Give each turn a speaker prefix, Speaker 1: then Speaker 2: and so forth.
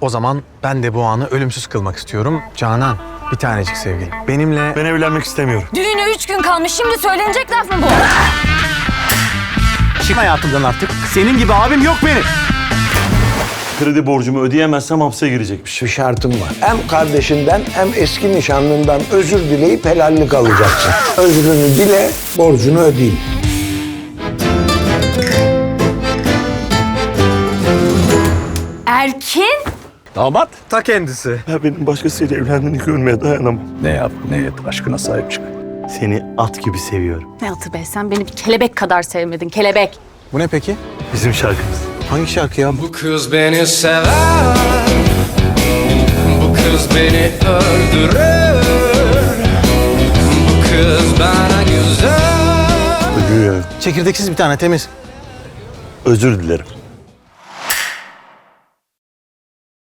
Speaker 1: O zaman ben de bu anı ölümsüz kılmak istiyorum. Canan, bir tanecik sevgilim. Benimle...
Speaker 2: Ben evlenmek istemiyorum.
Speaker 3: Düğüne 3 gün kalmış. Şimdi söylenecek laf mı bu?
Speaker 1: Çık hayatımdan artık. Senin gibi abim yok benim.
Speaker 2: Kredi borcumu ödeyemezsem hapse girecekmiş.
Speaker 4: Bir şartım var. Hem kardeşinden hem eski nişanlından özür dileyip helallik alacaksın. Özrünü dile, borcunu ödeyin.
Speaker 3: Erkin?
Speaker 5: Damat.
Speaker 1: Ta kendisi.
Speaker 2: Ya benim başkasıyla evlendiğini görmeye dayanamam.
Speaker 5: Ne yap ne et aşkına sahip çık.
Speaker 2: Seni at gibi seviyorum.
Speaker 3: Ne atı be? Sen beni bir kelebek kadar sevmedin. Kelebek.
Speaker 1: Bu ne peki?
Speaker 2: Bizim şarkımız.
Speaker 1: Hangi şarkı ya?
Speaker 6: Bu kız beni sever, bu kız beni öldürür, bu kız bana güzel.
Speaker 2: Ölüyor.
Speaker 1: Çekirdeksiz bir tane, temiz.
Speaker 2: Özür dilerim.